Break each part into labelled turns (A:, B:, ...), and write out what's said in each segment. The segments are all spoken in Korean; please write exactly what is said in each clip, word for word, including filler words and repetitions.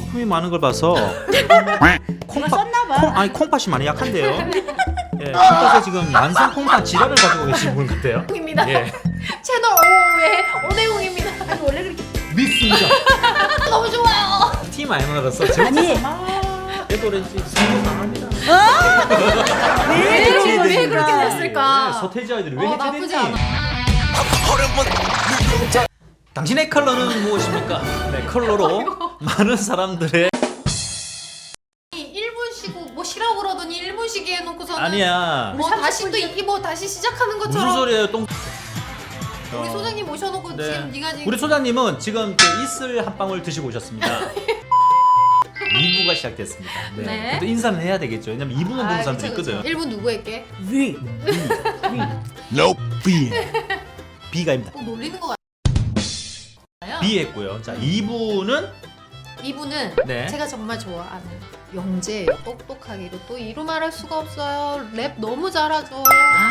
A: 거품이 많은 걸 봐서
B: 콩팥 썼나봐.
A: 콩, 아니 콩팥이 많이 약한데요. 예, 콩팥에 지금 만성 콩팥 질환을 가지고 계신 분 같아요.
C: 입니다.
A: 예,
C: 채널 오의 오대웅입니다.
B: 아니 원래 그렇게
A: 믿습니다.
C: 너무 좋아요.
A: 티 마이너로서 지금
B: 아니
A: 에도렌지 성공 당합니다.
B: 왜
C: 왜,
B: 그렇게
C: 왜
B: 됐을까?
C: 그렇게 됐을까?
A: 예, 서태지 아이들이 왜
C: 어,
A: 해체됐니?
C: 나쁘지 않아.
A: 당신의 컬러는 무엇입니까? 네, 컬러로 많은 사람들의
C: 일 분 쉬고 뭐 쉬라고 그러더니 일 분 쉬게 해놓고서는
A: 아니야.
C: 뭐 다시 또 이 뭐 다시 시작하는 것처럼
A: 무슨 소리예요, 똥?
C: 우리 소장님 모셔놓고
A: 네.
C: 지금 네가 지금
A: 우리 소장님은 지금 그 이슬 한 방울 드시고 오셨습니다. 이 부가 시작됐습니다. 네.
C: 네.
A: 근데 인사는 해야 되겠죠. 왜냐면 이 부만 보는 사람들이 있거든.
C: 일 분 누구 할게?
B: 위.
D: Nope. B.
A: B가입니다.
C: 꼭 놀리는 거 같아요.
A: B 했고요. 자, 이 부는
C: 이분은
A: 네.
C: 제가 정말 좋아하는 영재예요. 똑똑하기로 또 이루 말할 수가 없어요. 랩 너무 잘하죠.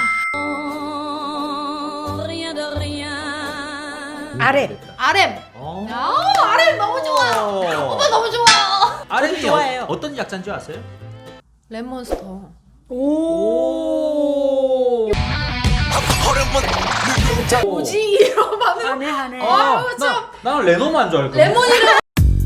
B: 아래.
C: 아렘.
A: 어.
C: 아, 아렘 너무 좋아요. 오빠 너무 좋아요.
A: 아름이
B: 좋아해요.
A: 어, 어떤 약자인 줄 아세요?
C: 랩몬스터.
B: 오.
C: 뭐지 이런 반응.
B: 하네 하네.
C: 아,
A: 나,
C: 참.
A: 나는 레노만 줄 알거든.
C: 레몬이랑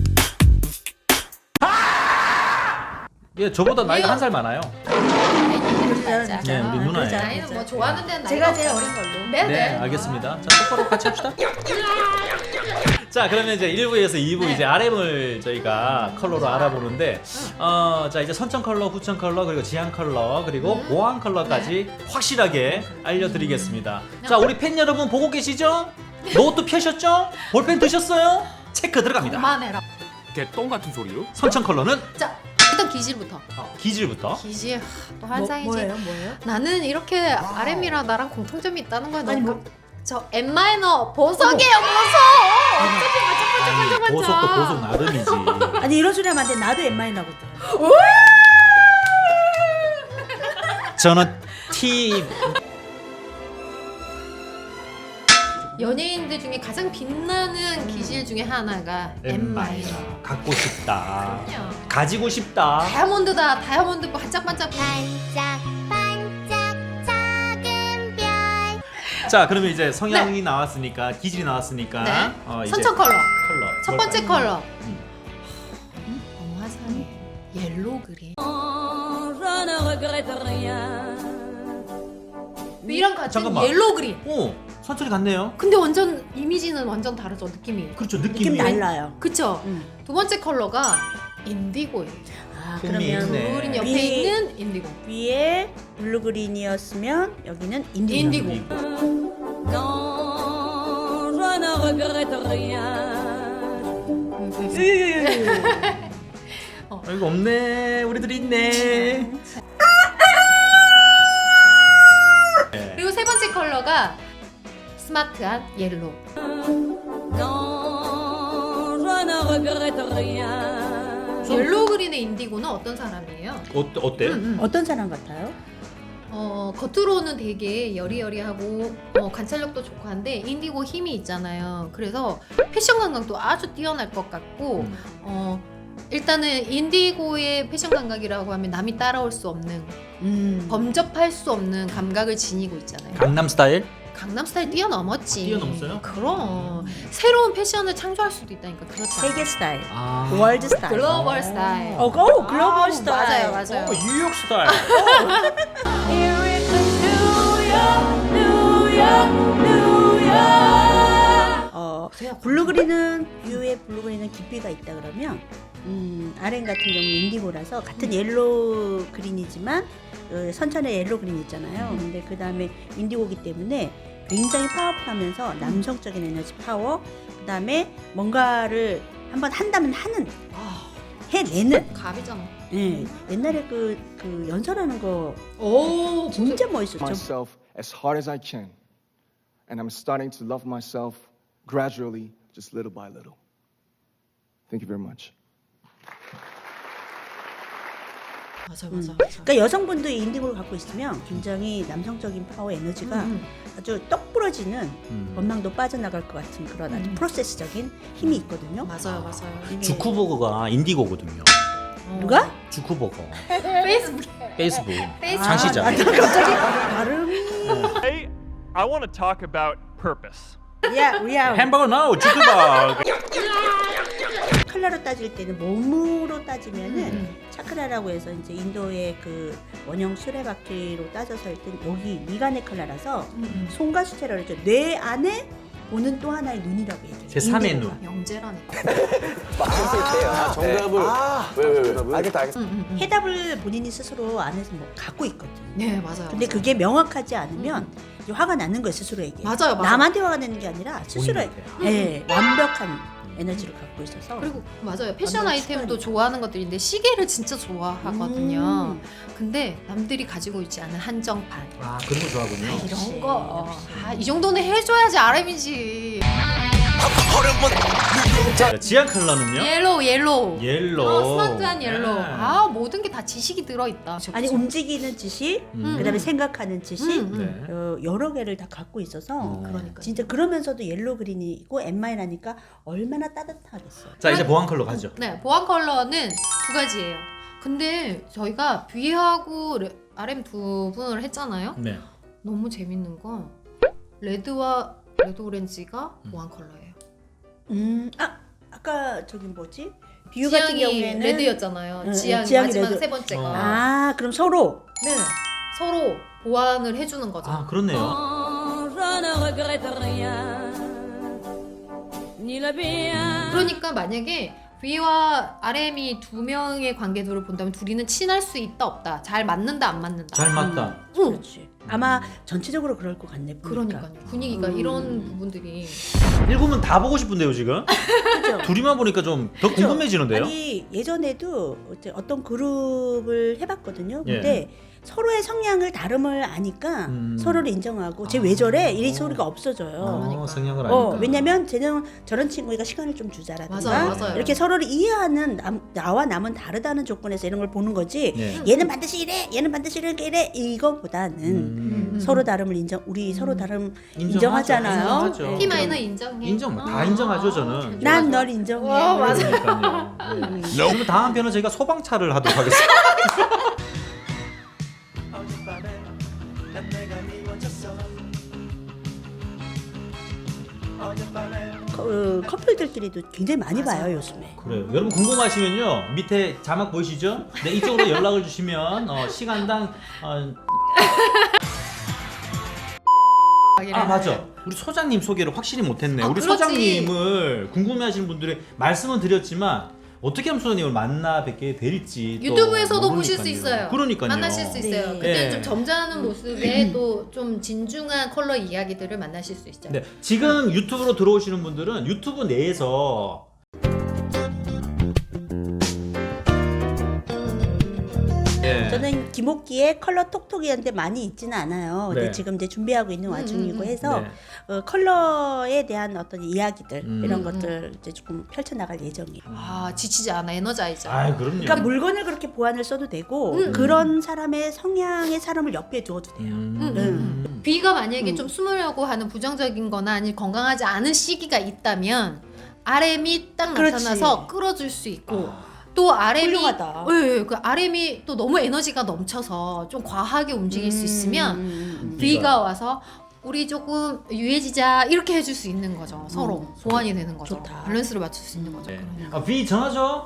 A: 예, 저보다 나이가
C: 이거-
A: 한 살 많아요.
C: 맞아.
A: 네, 우리 누나예요.
B: 그러자,
C: 나이는 뭐
B: 그러자.
C: 좋아하는 데는
B: 제가
C: 나이가
B: 제일
C: 없죠.
B: 어린 걸로.
C: 네,
A: 네,
C: 네.
A: 알겠습니다. 자, 똑바로 같이 합시다. 자, 그러면 이제 일 부에서 이 부
C: 네.
A: 이제 알엠을 저희가 컬러로 알아보는데, 어, 자 이제 선천 컬러, 후천 컬러, 그리고 지향 컬러, 그리고
C: 음.
A: 보안 컬러까지 확실하게 알려드리겠습니다.
C: 음.
A: 자, 우리 팬 여러분 보고 계시죠? 노트 펴셨죠? 볼펜 드셨어요? 체크 들어갑니다.
C: 그만해라.
D: 개똥 같은 소리요?
A: 선천 컬러는
C: 자, 일단 기질부터.
A: 어, 기질부터.
C: 기질 하, 또
B: 뭐,
C: 환상이지.
B: 뭐예요 뭐예요?
C: 나는 이렇게 알엠이랑 나랑 공통점이 있다는 거야.
B: 아니,
C: 너무
B: 뭐-
C: 저 M 마이너 보석이에요, 보석. 어떻게
A: 아니, 보석도 보석
C: 반짝반짝반짝.
A: 나름이지.
B: 아니 이런 소리 하면 안 돼. 나도 엠마이 나거든.
A: 저는 T
C: 연예인들 중에 가장 빛나는 기질 중에 하나가 M 마이너.
A: 갖고 싶다.
C: 그럼요.
A: 가지고 싶다.
C: 다이아몬드다. 다이아몬드 반짝반짝.
A: 자, 그러면 이제 성향이 나왔으니까 기질이 나왔으니까
C: 네.
A: 어, 이제
C: 선천 컬러.
A: 컬러.
C: 첫 번째 컬러.
A: 음.
C: 너무 화사해. 옐로우 그린. 이랑 같은
A: 잠깐만.
C: 옐로우 그린.
A: 오, 선천이 같네요.
C: 근데 완전 이미지는 완전 다르죠, 느낌이.
A: 그렇죠,
B: 느낌
A: 느낌이.
B: 달라요.
C: 그쵸?
B: 응.
C: 두 번째 컬러가 인디고예요.
B: 아
A: 흥미
B: 그러면
A: 있네.
C: 블루그린 옆에
B: 위-
C: 있는 인디고.
B: 위에 블루그린이었으면 여기는 인디고.
C: 인디고.
A: 아, 이거 없네. 우리들이 있네.
C: 그리고 세 번째 컬러가 스마트한 옐로우. 옐로우 그린의 인디고는 어떤 사람이에요?
A: 어, 어때요?
C: 음, 음.
B: 어떤 사람 같아요?
C: 어, 겉으로는 되게 여리여리하고 어, 관찰력도 좋고 한데 인디고 힘이 있잖아요. 그래서 패션 감각도 아주 뛰어날 것 같고
A: 음.
C: 어, 일단은 인디고의 패션 감각이라고 하면 남이 따라올 수 없는
B: 음.
C: 범접할 수 없는 감각을 지니고 있잖아요.
A: 강남 스타일?
C: 강남 스타일 뛰어넘었지.
A: 뛰어넘었어요?
C: 그럼 새로운 패션을 창조할 수도 있다니까. 그렇죠.
B: 세계 스타일.
A: 아.
B: 월드 스타일.
C: 글로벌 스타일.
B: 어, 고 글로벌
C: 아,
B: 스타일.
C: 맞아요, 맞아요.
A: 오, 뉴욕 스타일.
B: 어, 블루그린은 뷰의 블루그린은 깊이가 있다 그러면 음, 아렌 같은 경우 인디고라서 같은 옐로우 그린이지만 어, 선천의 옐로우 그린 있잖아요. 근데 그 다음에 인디고기 때문에 굉장히 파워풀하면서 남성적인 에너지 파워, 그 다음에 뭔가를 한번 한다면 하는, 해내는.
C: 갑이잖아.
B: 예, 옛날에 그, 그 연설하는 거
C: 오,
B: 진짜 멋있었죠.
E: myself as hard as I can. And I'm starting to love myself gradually, just little by little. Thank you very much.
C: 맞아
B: 음.
C: 맞아. 맞아.
B: 그러니까 여성분도 인디고를 갖고 있으면 굉장히 남성적인 파워 에너지가
C: 음,
B: 아주 떡 부러지는
A: 음.
B: 원망도 빠져나갈 것 같은 그런 아주
C: 음.
B: 프로세스적인 힘이 있거든요.
C: 맞아요 맞아요.
B: 이게-
A: 주쿠버거가 인디고거든요.
C: 어.
B: 누가?
A: 주쿠버거.
C: 페이스북
A: 페이스북.
C: 페이스북.
A: 장시장.
B: 아, 나 갑자기 발음이
F: Today, I want to talk about purpose.
B: 야, 야.
A: 햄버거 no 주쿠버.
B: 차크라로 따질 때는 몸으로 따지면은
C: 음.
B: 차크라라고 해서 이제 인도의 그 원형 수레바퀴로 따져서 할 땐 여기 미간의 컬러라서
C: 음.
B: 손과 수채라고 했죠. 뇌 안에 보는 또 하나의 눈이라고 해요.
A: 제삼의
B: 인디고가.
A: 눈.
C: 영재라네.
E: 아, 정답을. 왜, 왜, 왜? 알겠다, 알겠다.
C: 음, 음, 음.
B: 해답을 본인이 스스로 안에서 뭐 갖고 있거든.
C: 네 맞아요.
B: 근데
C: 맞아요.
B: 그게 명확하지 않으면 이제 화가 나는 거예요 스스로에게.
C: 맞아요, 맞아요.
B: 남한테 화가 나는 게 아니라 스스로에게.
A: 본인한테.
B: 네, 완벽한 에너지를 갖고 있어서.
C: 그리고 맞아요. 패션
B: 완전
C: 아이템도
B: 습관이죠.
C: 좋아하는 것들인데 시계를 진짜 좋아하거든요.
B: 음.
C: 근데 남들이 가지고 있지 않은 한정판.
A: 아 그런 거 좋아하군요.
B: 역시,
C: 이런 거.
B: 역시.
C: 아, 이 정도는 해줘야지 알엠이지.
A: 자, 지안 컬러는요?
C: 옐로우, 옐로우.
A: 옐로우.
C: 어, 스마트한 옐로우.
A: 네.
C: 아, 모든 게 다 지식이 들어있다.
B: 아니 움직이는 지식,
A: 음.
B: 그다음에 생각하는 지식,
C: 음, 음.
A: 네.
B: 어, 여러 개를 다 갖고 있어서
A: 어.
C: 그러니까.
B: 진짜 그러면서도 옐로 그린이고 엠마이라니까 얼마나 따뜻하겠어요.
A: 자 이제 보안 컬러 가죠.
C: 네, 보안 컬러는 두 가지예요. 근데 저희가 V하고 레- 알엠 두 분을 했잖아요.
A: 네.
C: 너무 재밌는 건 레드와 레드 오렌지가
A: 음.
C: 보안 컬러예요.
B: 음, 아 아까 저기 뭐지? 비유 같은
C: 지향이
B: 경우에는
C: 레드였잖아요.
B: 응,
C: 지향
B: 지향이
C: 마지막
B: 레드.
C: 세 번째가.
A: 어.
B: 아 그럼 서로
C: 네, 서로 보완을 해주는 거죠.
A: 아 그렇네요.
G: Je ne regrette rien, ni le bien.
C: 그러니까 만약에 V와 알엠이 두 명의 관계도를 본다면 둘이는 친할 수 있다 없다, 잘 맞는다 안 맞는다.
A: 잘 맞다.
C: 응.
B: 그렇지. 아마 전체적으로 그럴 것 같네. 보니까.
C: 그러니까요. 분위기가
B: 음.
C: 이런 부분들이
A: 일곱은 다 보고 싶은데요 지금.
B: 그죠?
A: 둘이만 보니까 좀 더
B: 그죠?
A: 궁금해지는데요.
B: 아니 예전에도 어째- 어떤 그룹을 해봤거든요.
A: 예.
B: 근데 서로의 성향을 다름을 아니까
A: 음.
B: 서로를 인정하고 쟤
A: 아.
B: 왜 저래 이 소리가 없어져요.
A: 어,
C: 그러니까.
A: 성향을 아니까.
B: 어, 왜냐면 쟤는 저런 친구가 시간을 좀 주자라든가
C: 맞아요, 맞아요.
B: 이렇게 서로를 이해하는 남, 나와 남은 다르다는 조건에서 이런 걸 보는 거지.
A: 네.
B: 얘는 반드시 이래, 얘는 반드시 이렇게 이래 이거보다는
A: 음.
B: 서로 다름을 인정, 우리 서로 다름
A: 인정하죠.
B: 인정하잖아요.
A: 인정하죠.
B: 네.
C: T 마이너 인정해.
A: 인정 다
C: 아.
A: 인정하죠 저는.
B: 난 널 인정해.
C: 와, 맞아.
A: 그러니까요. 네. 그러면 다음 편은 저희가 소방차를 하도록 하겠습니다.
B: 어, 커플들끼리도 굉장히 많이
C: 맞아.
B: 봐요 요즘에.
A: 그래요. 여러분 궁금하시면요 밑에 자막 보이시죠? 네 이쪽으로 연락을 주시면 어, 시간당 어, 아 맞아. 우리 소장님 소개를 확실히 못했네.
C: 아,
A: 우리
C: 그렇지.
A: 소장님을 궁금해하시는 분들이 말씀은 드렸지만 어떻게 하면 소장님을 만나 뵙게 될지 또
C: 유튜브에서도 보실 수
A: 모르니까요.
C: 있어요.
A: 그러니까요.
C: 만나실 수 있어요.
B: 네.
C: 그때는
A: 네.
C: 좀 점잖은 모습에 또 좀 진중한 컬러 이야기들을 만나실 수 있죠.
A: 네, 지금 유튜브로 들어오시는 분들은 유튜브 내에서 예.
B: 저는 김옥기의 컬러 톡톡이한테 많이 있지는 않아요. 근데
A: 네.
B: 지금 이제 준비하고 있는 와중이고
C: 음, 음,
B: 해서
A: 네.
B: 어, 컬러에 대한 어떤 이야기들
A: 음.
B: 이런
C: 음,
B: 것들 이제 조금 펼쳐나갈 예정이에요.
C: 아 지치지 않아, 에너자이저.
A: 아 그럼요.
B: 그러니까 물건을 그렇게 보완을 써도 되고
C: 음.
B: 그런 사람의 성향의 사람을 옆에 두어도 돼요.
A: 음.
C: 음,
B: 음.
C: B가 만약에
B: 음.
C: 좀 숨으려고 하는 부정적인 거나 아니면 건강하지 않은 시기가 있다면 알엠이 딱
B: 그렇지.
C: 나타나서 끌어줄 수 있고 또 알엠이
B: 훌륭하다.
C: 예, 예, 그 알엠이 또 너무 에너지가 넘쳐서 좀 과하게 움직일 수 있으면
B: 음, 음, 음.
C: B가 와서 우리 조금 유해지자 이렇게 해줄 수 있는 거죠. 서로
B: 음.
C: 보완이 되는 거죠.
B: 좋다.
C: 밸런스를 맞출 수 있는 거죠.
A: 네.
C: 그러면.
A: 아, B 전화줘.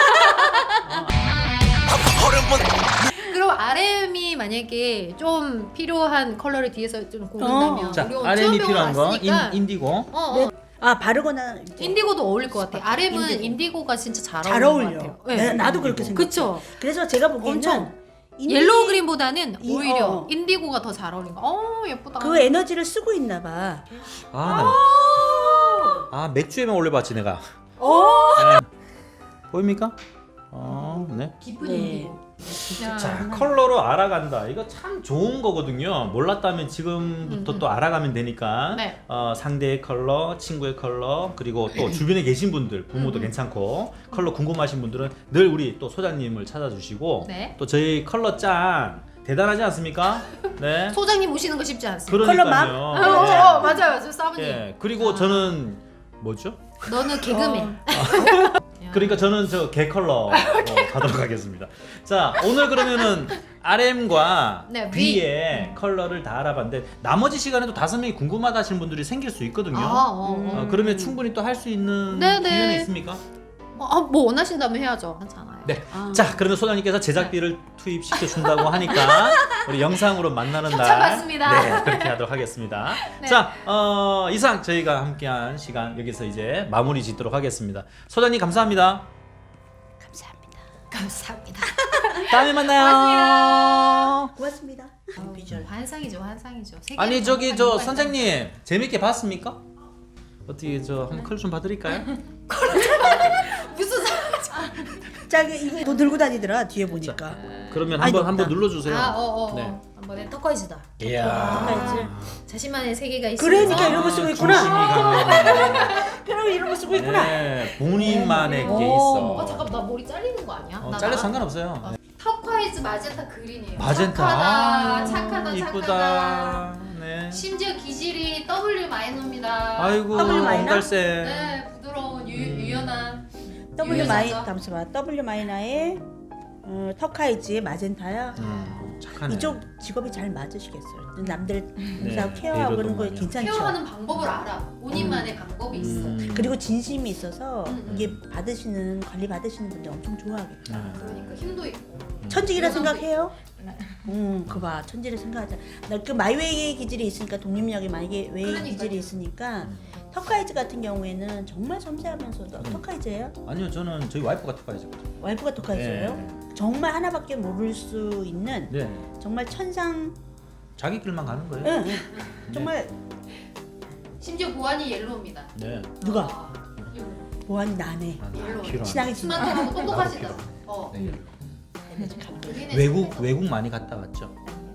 C: 그럼 알엠이 만약에 좀 필요한 컬러를 뒤에서 좀 고른다면
B: 어.
A: 자,
C: 우리 오늘
A: 알엠이
C: 수영병원
A: 필요한 거 인,
C: 왔으니까
A: 인디고.
C: 어, 어.
B: 네. 아 바르거나 이제
C: 인디고도 어울릴 것 같아. 알엠은
B: 인디고.
C: 인디고. 가 진짜 잘,
B: 잘
C: 어울리는
B: 어울려.
C: 것 같아요.
B: 네, 나도 그렇게 생각해.
C: 그쵸?
B: 그래서 제가 보기에는
C: 엄청
B: 인디-
C: 옐로우 그린보다는
B: 이-
C: 오히려
B: 어.
C: 인디고가 더 잘 어울린 거. 어 예쁘다.
B: 그 에너지를 쓰고 있나 봐.
A: 아, 나... 아 맥주에만 올려봤지 내가.
B: 어.
A: 네. 보입니까? 어, 네.
C: 깊은
B: 네.
C: 인디고. 야.
A: 자, 컬러로 알아간다. 이거 참 좋은 거거든요. 몰랐다면 지금부터
C: 음, 음.
A: 또 알아가면 되니까
C: 네.
A: 어, 상대의 컬러, 친구의 컬러, 그리고 또 주변에 계신 분들, 부모도
C: 음, 음.
A: 괜찮고 컬러 궁금하신 분들은 늘 우리 또 소장님을 찾아주시고
C: 네.
A: 또 저희 컬러 짱 대단하지 않습니까? 네.
C: 소장님 오시는 거 쉽지 않습니다.
A: 그러니까요.
C: 어, 어, 어, 맞아요, 맞아요, 사부님.
A: 예. 그리고
C: 아.
A: 저는 뭐죠?
C: 너는 개그맨.
A: 그러니까 저는 저 개 컬러 어, 가도록 하겠습니다. 자, 오늘 그러면은 알엠과
C: 네,
A: B의 컬러를 다 알아봤는데 나머지 시간에도 다섯 명이 궁금하다 하시는 분들이 생길 수 있거든요.
C: 아, 어, 어.
A: 어, 그러면 충분히 또 할 수 있는
C: 네, 네.
A: 기회는 있습니까?
C: 어, 아, 뭐 원하신다면 해야죠. 괜찮아요.
A: 네.
B: 아.
A: 자, 그러면 소장님께서 제작비를 투입시켜 준다고 하니까 우리 영상으로 만나는 날
C: 협찬받습니다.
A: 네, 그렇게 하도록 하겠습니다.
C: 네.
A: 자, 어, 이상 저희가 함께한 시간 여기서 이제 마무리 짓도록 하겠습니다. 소장님 감사합니다.
B: 감사합니다.
C: 감사합니다.
A: 다음에 만나요.
B: 고맙습니다. 비주얼.
C: 환상이죠, 환상이죠. 세계를
A: 아니 저기 저
C: 정복하는
A: 선생님 재밌게 봤습니까? 어떻게 저 한번 컬 좀 봐드릴까요?
C: 무슨 사...
B: 자, 이거 뭐 들고 다니더라 뒤에 보니까.
A: 그러면
B: 아니,
A: 한번
B: 높다.
A: 한번 눌러주세요.
C: 아, 어, 어, 어.
A: 네.
C: 한번에 터커이즈다.
A: 이야.
C: 자신만의 세계가 있어.
B: 그러니까 이런 거 쓰고 있구나.
A: 중심이 강하네.
B: 그럼 이런 거 쓰고 있구나.
A: 네, 본인만의 게
C: 어,
A: 있어.
C: 아 잠깐 나 머리 잘리는 거 아니야?
A: 어,
C: 나
A: 잘려
C: 나-
A: 상관없어요. 네.
C: 터콰이즈 마젠타 그린이에요.
A: 마젠타.
C: 착하다,
A: 아,
C: 착하다,
A: 이쁘다.
C: 착하다.
A: 네.
C: 심지어 기질이 W 마이너입니다.
A: 아이고
B: 더블 마이너?
A: 옹달새.
C: 네, 부드러운 유,
A: 음.
C: 유연한.
B: W 마이
C: 유효자죠.
B: 잠시만. W 마이너의 어, 터카이즈의 마젠타야.
A: 음, 착하네.
B: 이쪽 직업이 잘 맞으시겠어요. 남들
A: 네,
B: 의사 케어하고 그런 거
A: 이러더만요.
B: 괜찮죠.
C: 케어하는 방법을 알아. 본인만의 방법이 있어.
A: 음.
B: 그리고 진심이 있어서
C: 음, 음.
B: 이게 받으시는 관리 받으시는 분들 엄청 좋아하겠다.
A: 네.
C: 그러니까 힘도 있고.
B: 천직이라
C: 유연함도
B: 생각해요?
C: 네.
B: 음, 그봐 천지를 생각하자. 나 그 마이웨이 기질이 있으니까 독립력이 마이웨이
C: 그러니까요.
B: 기질이 있으니까 터카이즈 같은 경우에는 정말 섬세하면서도 터카이즈예요?
A: 아니요 저는 저희 와이프가 특파이거든요.
B: 와이프가 터카이즈예요? 정말 하나밖에 모를 수 있는
A: 네.
B: 정말 천상.
A: 자기 길만 가는 거예요.
B: 응, 응. 정말
C: 심지어 보안이 옐로우입니다.
A: 네.
B: 누가
C: 아, 옐로우.
B: 보안이 나네.
A: 아,
C: 옐로우.
A: 필요한.
B: 친하게 지내.
C: 스마트하고 똑똑하시다.
A: 나도
C: 어.
A: 네.
C: 우리는
A: 외국
C: 집에서
A: 외국 많이 갔다 왔죠.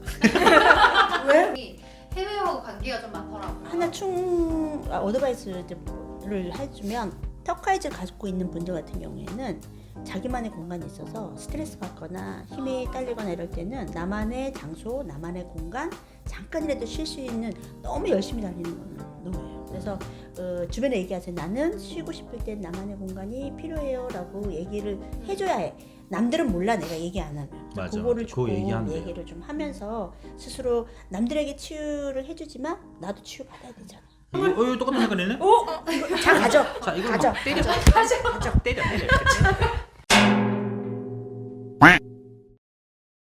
B: 왜?
C: 해외하고 관계가 좀 많더라고.
B: 하나 충 아, 어드바이스를 해주면 터카이즈를 가지고 있는 분들 같은 경우에는 자기만의 공간이 있어서 스트레스 받거나 힘이 딸리거나 이럴 때는 나만의 장소, 나만의 공간 잠깐이라도 쉴 수 있는 너무 열심히 다니는 거는 노예요. 그래서 어, 주변에 얘기하세요. 나는 쉬고 싶을 때 나만의 공간이 필요해요라고 얘기를 해줘야 해. 남들은 몰라 내가 얘기 안 하면.
A: 맞아.
B: 그거를
A: 그거
B: 조금
A: 얘기하면 돼요.
B: 얘기를 좀 하면서 스스로 남들에게 치유를 해주지만 나도 치유 받아야 되잖아.
A: 이거 어, 이거 똑같은 색깔이네.
B: 오, 이거 자 가져.
A: 자 이거
B: 가져.
A: 막 때려.
B: 가져.
A: 때려 때려. 이렇게.